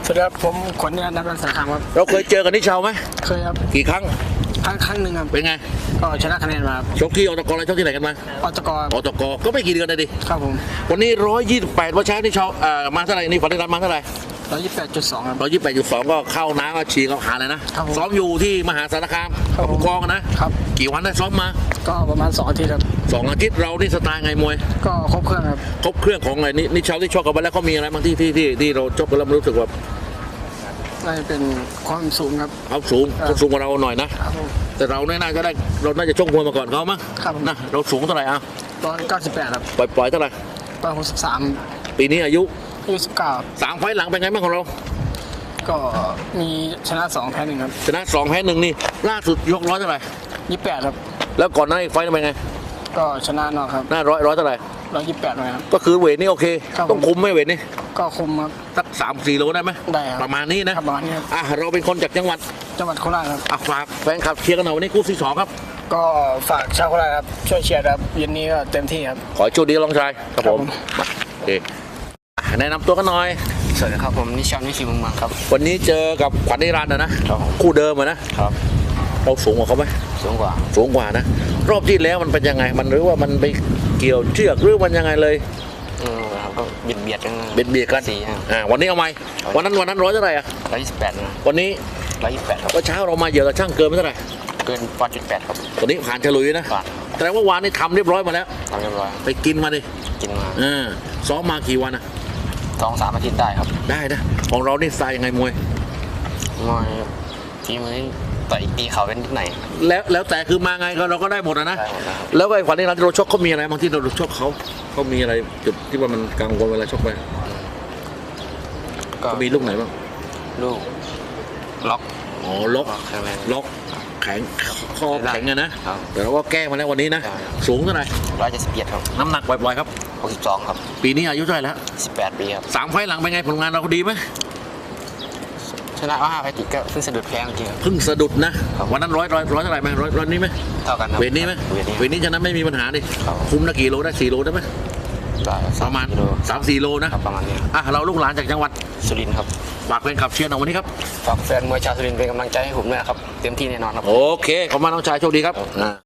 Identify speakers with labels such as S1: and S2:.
S1: สวัสดีครับผมขวัญญาณนักสารคามครับ
S2: เราเคยเจอกันนิชาวไหม
S1: เคยครับ
S2: กี่ครั้ง
S1: ครั้งหนึ่งครับ
S2: เป็นไง
S1: ก็ชนะคะแนนมา
S2: ชกที่อตกอะไรชกที่ไหนกันมา
S1: อตก
S2: อตกก็ไม่กี่เดือนเลยดิ
S1: ครับผม
S2: วันนี้128วันเช้านิชาวมาเท่าไหร่นี่ฝันได้รับมาเท่าไหร่
S1: 128.2ครับ
S2: 128.2ก็เข้าน้ำก็ฉีกเข้าหาเลยนะซ้อมอยู่ที่มหาสารคามกับผู้กองนะครับกี่วันได้ซ้อมมา
S1: ก็ประมาณ2 อาทิตย์ครับ
S2: 2 อาทิตย์เรานี่สไตล์ไงมวย
S1: ก็ครบเครื่องครับ
S2: ครบเครื่องของอะไรนิชาวที่ชกกันไปแล้วเขามีอะไรบางที่เราชกกันแล้วรู้สึกว่า
S1: น่าจะเป็นความสูงครับ
S2: เขาสูงกว่าเราหน่อยนะแต่เราน่าจะได้เราน่าจะชกมวยมาก่อนเขามั้งนะเราสูงเท่าไหร่อ่ะ
S1: 198ครับ
S2: ปล่อยเท่าไหร่
S1: 163
S2: ปีนี้อายุ
S1: 19
S2: 3 ไฟล์หลังเป็นไงบ้างของเรา
S1: ก็มีชนะ2แพ้1ครับ
S2: ชนะ2 แพ้ 1นี่ล่าสุดยก100เท่าไหร่
S1: 28ครับ
S2: แล้วก่อนหน้าอีกไฟล์เป็นไง
S1: ก็ชนะนอกครับ
S2: หน้าร้อยเท่าไหร่
S1: 128เลยครับ
S2: ก็คือเวทนี่โอเคต้องคุมไหมเวทนี่
S1: ก็คุมครับ
S2: สัก3-4 โลได้ไหม
S1: ได้ครับ
S2: ประมาณนี้นะ
S1: ประมาณนี้ครับ
S2: เราเป็นคนจากจังหวัด
S1: โคราชครับ
S2: ฝากแฟนคลับเชียร์กันหน่อยวันนี้คู่ที่2ครับ
S1: ก็ฝากชาวโคราชครับช่วยเชียร์ครับเย็นนี้ก็เต็มที่ครับ
S2: ขอโชคดีลองชายครับผมโอเคแนะนำตัวกันหน่อย
S1: สวัสดีครับผมนิชานวิชิมุงมังครับ
S2: วันนี้เจอกับขวัญนิรันดร์นะคู่เดิมนะครับเราสูงกว่าเขาไหม
S1: สูงกว่า
S2: นะรอบที่แล้วมันเป็นยังไงมันหรือว่ามันไปเกี่ยวเชือกหรือมันยังไงเลย
S1: ก็เบียดกัน
S2: วันนี้เอาไหมวันนั้น100เท่าไหร่
S1: 128นะ
S2: วันนี้
S1: 128ครับ
S2: เช้าเรามาเยอะกับช่างเกินไม่เท่าไหร่
S1: เกิน1.8ครับ
S2: ตอนนี้ผ่านฉลุยนะแต่ว่าวานนี้ทำเรียบร้อยมาแล้วไปกินมาดิซ้อมมากี่วัน
S1: 2-3 อาทิตย์ได้ครับ
S2: ได้นะของเรานี่สไตล์ยังไงมวย
S1: ทีมือต่อยตีเขาเป็นนิดไหน
S2: แล้วแต่คือมาไงเราก็ได้หมดนะแล้วไอ้ขวัญนิรันดร์ที่เราชกเขามีอะไรบางที่เราชกเขามีอะไรจุดที่ว่ามันกังวลเวลาชกไปก็มีลูกไหนบ้าง
S1: ลูกล็อก
S2: ล็อกแข็งคอแข็งนะแต่เราก็แก้มาแล้ววันนี้นะสูงเท่าไหร่
S1: 171ครับ
S2: น้ำหนักปล่อยๆครับ
S1: 62ครับ
S2: ปีนี้อายุเท่าไหร่แล้ว
S1: 18 ปีครับ
S2: 3 ไฟล์หลังเป็นไงผลงานเราดีไหม
S1: ชนะ5 ไฟล์ติดก็เพิ่งสะดุดแพ้เมื่อกี้
S2: เพิ่งสะดุดนะวันนั้นร้อยเท่าไหร่ไหมร้อยนี้ไหม
S1: เท่ากัน
S2: เวทนี้ไหมเวทนี้ฉะนั้นไม่มีปัญหาดิคุมนะกี่โลได้4 โลได้ไหมประมาณ3-4 โลนะ
S1: ประมาณนี้
S2: เราลูกหลานจากจังหวัด
S1: สุรินทร์ครับ
S2: ฝากแฟนคลับเชียร์หน่อยวันนี้ครับ
S1: ฝากแฟนมวยชาวสุรินทร์เป็นกำลังใจให้ผมด้วยครับเต็มที่แน่นอนครับ
S2: โอเคขอบคุณน้องชายโชคดีครับ